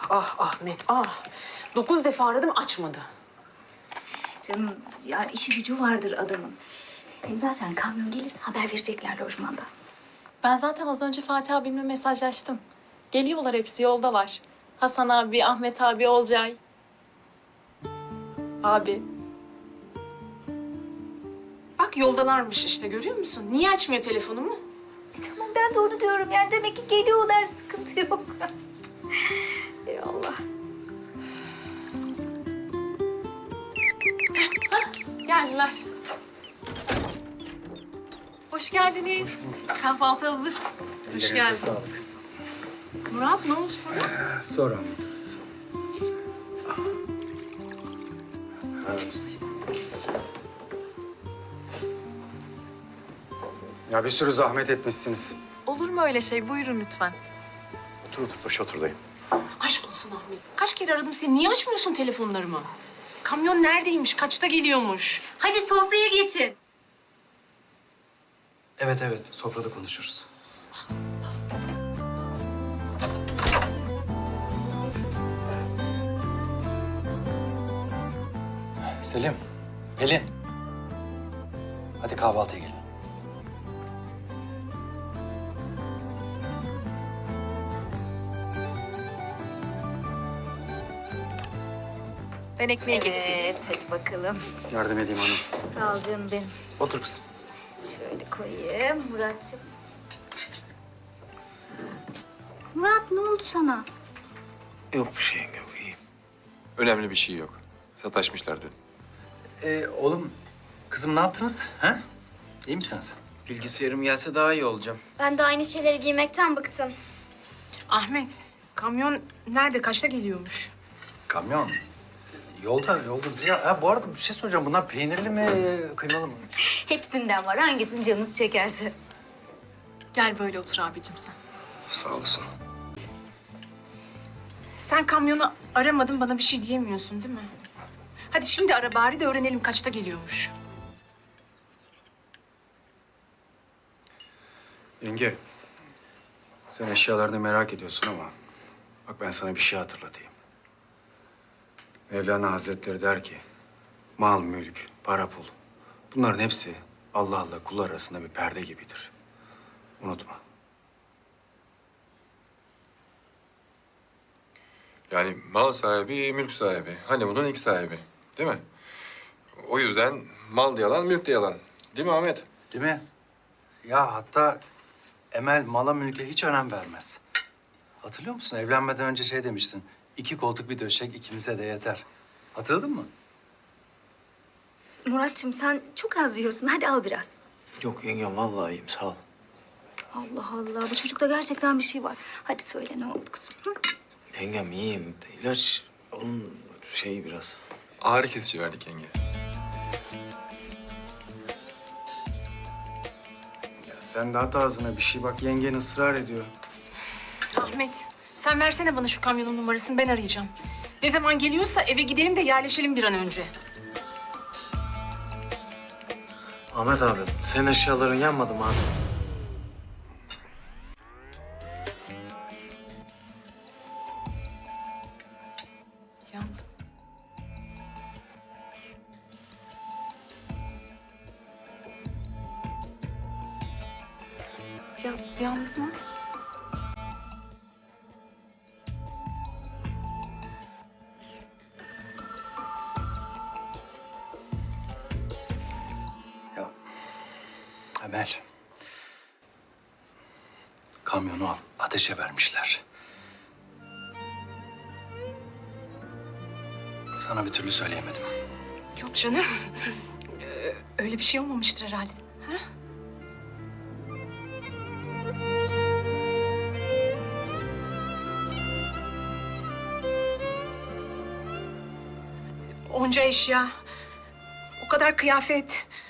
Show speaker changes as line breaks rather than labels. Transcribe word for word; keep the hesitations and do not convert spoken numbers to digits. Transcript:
ah Ahmet, ah. Dokuz defa aradım, açmadı.
Canım yani işi gücü vardır adamın. Hem zaten kamyon gelirse haber verecekler lojmandan.
Ben zaten az önce Fatih abimle mesajlaştım. Geliyorlar, hepsi yoldalar. Hasan abi, Ahmet abi, Olcay. Abi.
Bak yoldalarmış işte, görüyor musun? Niye açmıyor telefonumu?
E tamam ben de onu diyorum yani demek ki geliyorlar sıkıntı yok. Ey Allah.
Geldiler. Hoş geldiniz. Kahvaltı hazır.
Hoş geldiniz. Murat, ne oldu sana?
Sonra anlatırız. Ya bir sürü zahmet etmişsiniz.
Olur mu öyle şey? Buyurun lütfen.
Otur otur, paşa otur dayım.
Aşk olsun Ahmet. Kaç kere aradım seni, niye açmıyorsun telefonlarımı? Kamyon neredeymiş, kaçta geliyormuş?
Hadi sofraya geçin.
Evet evet, sofrada konuşuruz. Selim, Pelin. Hadi kahvaltıya gelin.
Ben ekmeği getireyim.
Evet hadi bakalım.
Yardım edeyim hanım.
Sağ ol canım benim.
Otur kızım.
Şöyle koyayım Muratcığım. Murat ne oldu sana?
Yok bir şey yok iyiyim. Önemli bir şey yok. Sataşmışlar dün.
Ee, oğlum, kızım ne yaptınız? Ha? İyi misiniz?
Bilgisayarım gelse daha iyi olacağım.
Ben de aynı şeyleri giymekten bıktım.
Ahmet, kamyon nerede, kaçta geliyormuş?
Kamyon. Yolda, yolda. Ya, ha, bu arada bir şey soracağım. Bunlar peynirli mi, kıymalı mı?
Hepsinden var. Hangisini canınız çekerse.
Gel böyle otur abicim sen.
Sağ olasın.
Sen kamyonu aramadın, bana bir şey diyemiyorsun değil mi? Hadi şimdi ara bari de öğrenelim kaçta geliyormuş.
Yenge, sen eşyalarını merak ediyorsun ama bak ben sana bir şey hatırlatayım. Mevlana Hazretleri der ki, mal, mülk, para, pul. Bunların hepsi Allah'la kul arasında bir perde gibidir. Unutma.
Yani mal sahibi, mülk sahibi. Hani bunun ilk sahibi. Değil mi? O yüzden mal da yalan, mülk de yalan. Değil mi Ahmet?
Değil mi? Ya hatta Emel mala mülke hiç önem vermez. Hatırlıyor musun? Evlenmeden önce şey demiştin. İki koltuk bir döşek ikimize de yeter. Hatırladın mı?
Muratcığım sen çok az yiyorsun. Hadi al biraz.
Yok yengem vallahi iyiyim sağ ol.
Allah Allah. Bu çocukta gerçekten bir şey var. Hadi söyle ne oldu kızım? Hı?
Yengem iyiyim. İlaç onun şeyi biraz. Ağrı kesici verdik yenge.
Ya sen de at ağzına bir şey bak. Yengen ısrar ediyor.
Ahmet, sen versene bana şu kamyonun numarasını, ben arayacağım. Ne zaman geliyorsa eve gidelim de yerleşelim bir an önce.
Ahmet abi, senin eşyaların yanmadı mı abi?
Ya. Ya, yandı mı?
Ya Emel. Kamyonu ateşe vermişler. Sana bir türlü söyleyemedim.
Yok canım. Ee, Öyle bir şey olmamıştır herhalde. Ha? Onca eşya, o kadar kıyafet.